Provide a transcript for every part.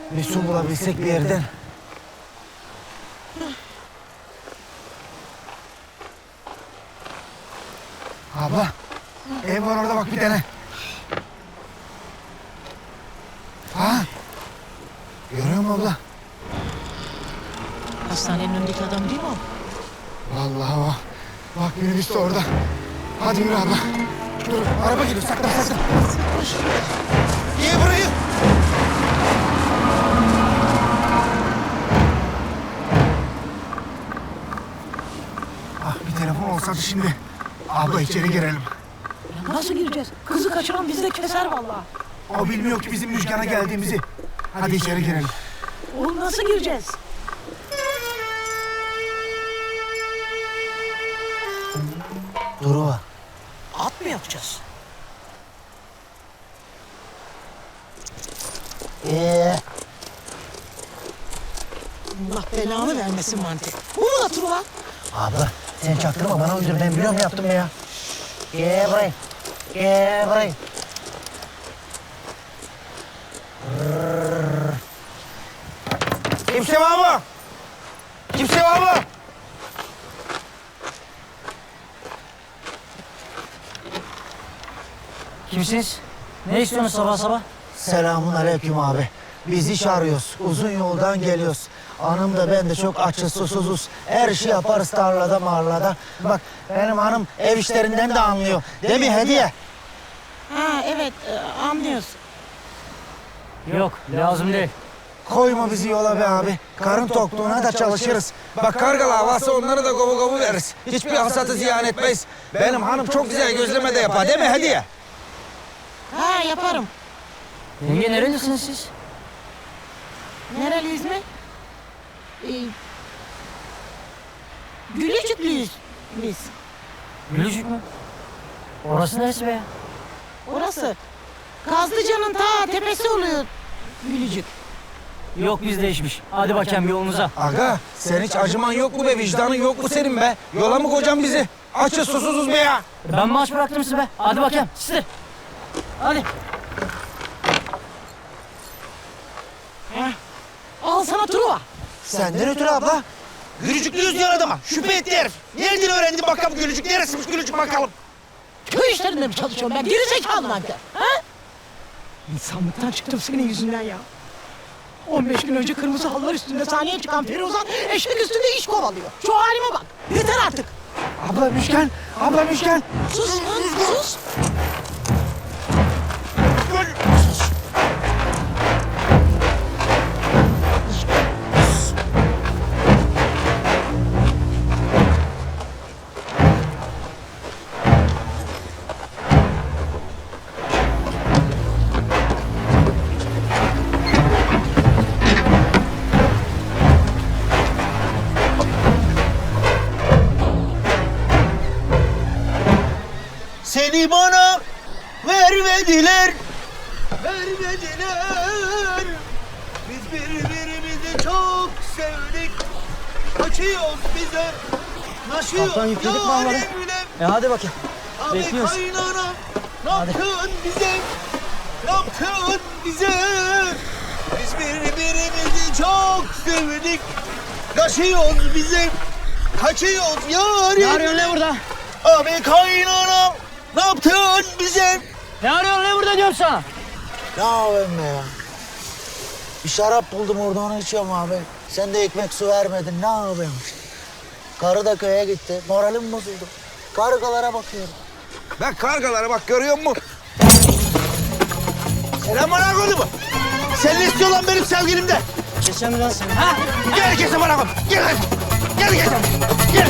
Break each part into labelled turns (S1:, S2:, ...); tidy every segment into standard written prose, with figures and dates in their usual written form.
S1: Bir su bulabilsek bir yerden. Abla, ev var orada bak bir tane. Ha? Görüyor musun abla?
S2: Hastanenin önündeki adam değil mi o?
S1: Vallahi o. Bak minibüs de orada. Hadi yürü abla. Dur, araba geliyor. Saklan. Niye burayı? Ah, bir telefon olsaydı şimdi. Abla içeri girelim.
S2: Ya nasıl gireceğiz? Kızı kaçıran bizi de keser vallahi.
S1: O bilmiyor ki bizim Müjgan'a geldiğimizi. Hadi içeri girelim.
S2: Oğlum nasıl gireceğiz?
S1: Duru.
S2: At mı yapacağız? Allah belanı vermesin mantık. Bu mu atır ulan?
S1: Abla sen çaktırma bana uydur. Ben biliyorum yaptım ya. Gel buraya. Kimse var mı?
S3: Kimsiniz? Ne istiyorsunuz sabah sabah?
S1: Selamun aleyküm abi. Biz iş arıyoruz. Uzun yoldan geliyoruz. Hanım da ben de çok açız, susuzuz. Her şey yaparız tarlada marlada. Bak benim hanım ev işlerinden de anlıyor. Değil mi Hediye?
S2: Ha evet anlıyoruz.
S3: Yok, lazım değil.
S1: Koyma bizi yola be abi. Karın tokluğuna da çalışırız. Bak kargalı havası onları da kovu veririz. Hiçbir hasatı ziyan etmeyiz. Benim hanım çok güzel gözleme de yapar değil mi Hediye?
S2: Ha yaparım.
S3: Yenge nerelisiniz siz?
S2: Nereliyiz mi? Gülücüklüyüz biz.
S3: Gülücük mü? Orası neresi be?
S2: Orası Kazlıca'nın ta tepesi oluyor Gülücük.
S3: Yok biz değişmiş. Hadi bakayım yolunuza.
S1: Aga sen hiç acıman yok mu be, vicdanın yok mu senin be? Yola mı kocan bizi? Açız susuzuz be ya.
S3: Ben mi aç bıraktım sizi be? Hadi bakayım. Sizi. Hadi.
S2: Al sana Truva.
S1: Senden ötürü abla. Gülücüklüyüz diyor adama. Şüphe etti herif. Nereden öğrendin bakalım gülücük? Neresiymiş gülücük bakalım?
S2: Köy işlerinde mi çalışıyorum ben? Geri zekalı nankör. Ha? İnsanlıktan çıktım senin yüzünden ya. 15 gün önce kırmızı halılar üstünde sahneye çıkan Firuzan eşek üstünde iş kovalıyor. Şu halime bak. Yeter artık.
S1: Abla Müşken.
S2: Sus lan sus.
S1: Seni bana vermediler. Biz birbirimizi çok sevdik. Kaçıyoruz bize. Naşıyoruz.
S3: Kaptan yükledik mi onları? Hadi bakayım.
S1: Abi
S3: Bekliyoruz.
S1: kaynana, ne yaptın bize? Biz birbirimizi çok sevdik. Kaçıyoruz bize. Kaçıyoruz yarim.
S3: Ne arıyorsun ne burada?
S1: Abi kaynana, ne yaptın bize?
S3: Ne arıyorsun ne burada diyorum sana?
S4: Ne yapayım be ya? Bir şarap buldum orada onu içiyorum abi. Sen de ekmek su vermedin ne yapayım? Karı da köye gitti. Moralim bozuldu. Kargalara bakıyorum.
S1: Ben kargalara bak görüyor musun? Selam bana koydu mu? Sen ne istiyorsun lan benim sevgilimde?
S3: Geçen mi lan seni? Ha?
S1: Gel kesin bana koy. Gel kesin. Gel.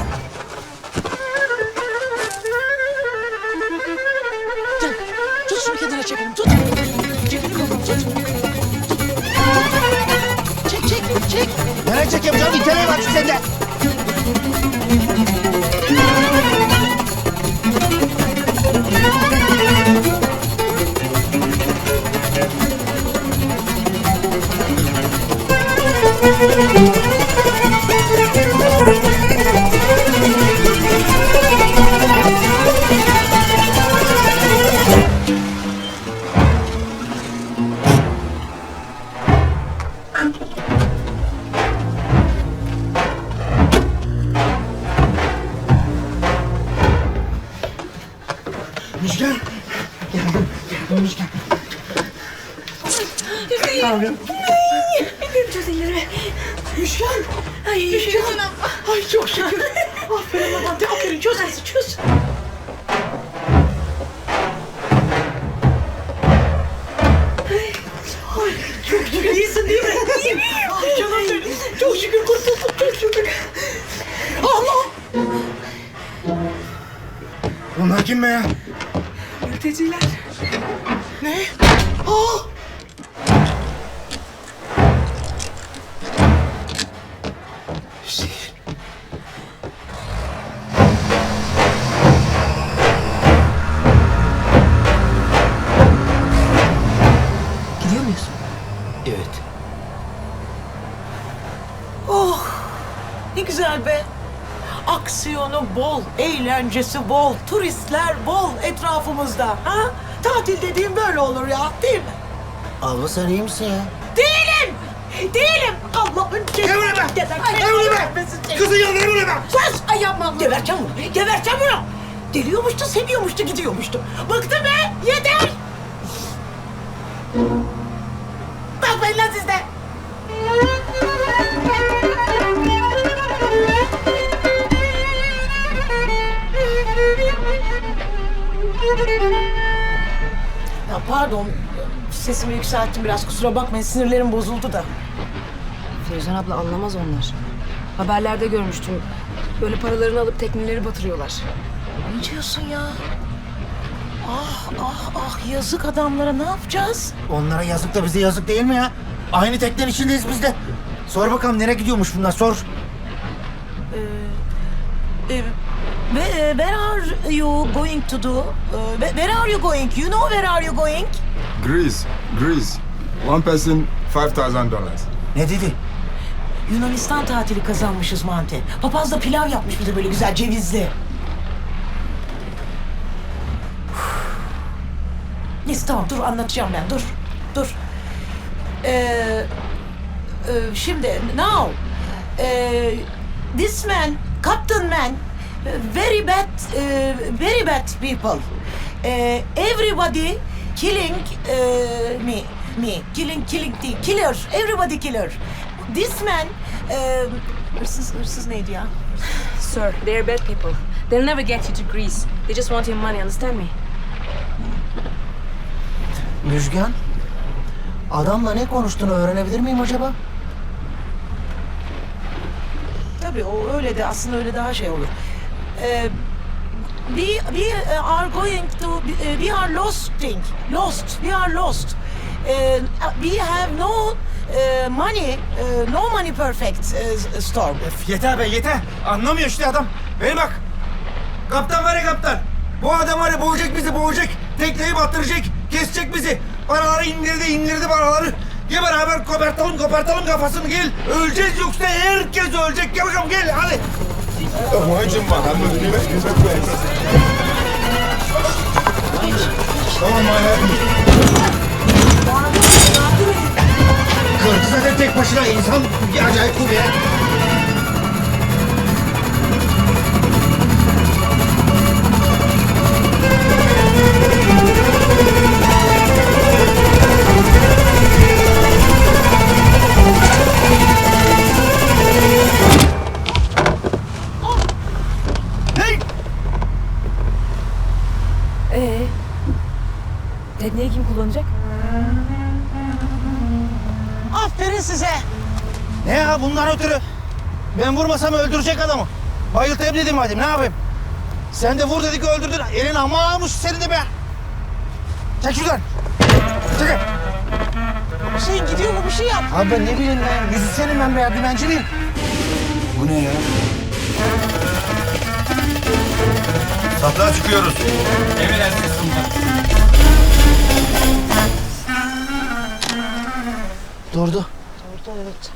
S2: Gel. Tut şunu kendine çekelim. Tut. Çekelim bakalım. Tut. Çek.
S1: Nereye çekeyim canım? İteleği var sende. Müjgan. Geldim Müjgan. Ne yapıyorsun?
S2: Çöz ellerimi. Müşken. Ay Müşken. Ay çok şükür. Aferin Levent'e aferin. Çöz hadi çöz. Ay çok şükür. İyisin değil mi? İyiyim. Ay canım benim. Çok şükür kurtuldum. Çok şükür. Allah.
S1: Bunlar kim be ya?
S2: Mülteciler. Ne? Aa! Hüseyin. Gidiyor muyuz?
S1: Evet.
S2: Oh! Ne güzel be. Aksiyonu bol, eğlencesi bol, turistler bol etrafımızda. Ha? Tatil dediğim böyle olur ya, değil mi?
S4: Abla sen iyi misin ya?
S2: Değilim! Değilim! Allah'ın cezası.
S1: Emre be! Emre be! Kızın yanına Emre be!
S2: Sus! Ay yapma! Geberteceğim bunu! Geberteceğim bunu! Geliyormuştu, seviyormuştu, gidiyormuştu. Bıktım be! Yeter! Bakmayın lan siz de! Ya pardon, sesimi yükselttim biraz, kusura bakmayın, sinirlerim bozuldu da.
S5: Feruzan abla anlamaz onlar. Haberlerde görmüştüm. Böyle paralarını alıp tekneleri batırıyorlar.
S2: Ne diyorsun ya? Ah ah ah, yazık adamlara, ne yapacağız?
S1: Onlara yazık da bize yazık değil mi ya? Aynı teknenin içindeyiz biz de. Sor bakalım nereye gidiyormuş bunlar sor.
S2: Where are you going to do? Where are you going? You know where are you going?
S6: Greece. One person, $5,000.
S1: Ne dedi?
S2: Yunanistan tatili kazanmışız Mante. Papaz da pilav yapmış bize böyle güzel cevizli. Neyse tamam dur anlatacağım ben dur. Şimdi now this man, Captain Man, very bad people. Everybody killing me. Killing değil. Killer. Everybody killer. This man hırsız neydi ya?
S5: Sir, they are bad people. They'll never get you to Greece. They just want your money, understand me?
S1: Müjgan. Adamla ne konuştuğunu öğrenebilir miyim acaba?
S2: Tabii o öyle de aslında öyle daha şey olur. We are going to we are lost. We are lost. We have no money, no money perfect storm.
S1: Yeter be yeter. Anlamıyor işte adam. Beni bak. Kaptan var ya kaptan. Bu adam var ya boğacak bizi boğacak. Tekneyi battıracak. Kesecek bizi. Paraları indirdi paraları. Gel beraber kopartalım kafasını gel. Öleceğiz yoksa herkes ölecek. Gel bakalım gel hadi. Kırk zaten tek başına insan bir acayip bu ya.
S5: Tekneyi kim kullanacak?
S2: Aferin size.
S1: Ne ya bundan ötürü? Ben vurmasam öldürecek adamı. Bayıltayım dedim hadi ne yapayım? Sen de vur dedik öldürdün. Elin ama almış senin de be. Çek şuradan. Çekil.
S2: Hüseyin gidiyor mu bir şey yap.
S1: Abi ben ne bileyim ben. Müzisyenim ben be. Dümenci miyim? Bu ne ya?
S6: Satlığa çıkıyoruz. Emredersiniz komutanım.
S1: Durdu.
S2: Orada evet.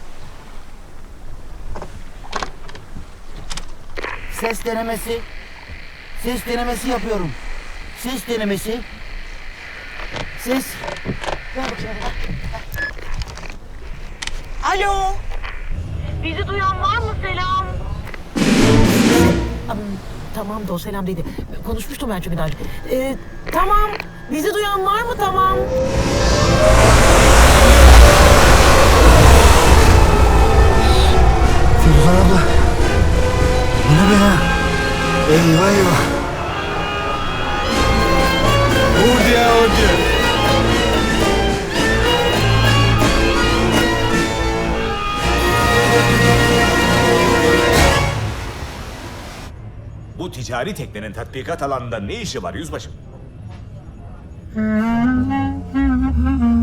S1: Ses denemesi. Ses denemesi yapıyorum. Ses denemesi. Ses.
S2: Ver bakayım. Alo.
S7: Bizi duyan var mı selam?
S2: Tamam da o selam dedi. Konuşmuştum ben çünkü daha önce. Tamam. Bizi duyan var mı? Tamam.
S1: Firuzan abla. Bu ne be ya? Eyvah eyvah.
S6: Oh dear, oh dear.
S8: Bu ticari teknenin tatbikat alanında ne işi var yüzbaşım?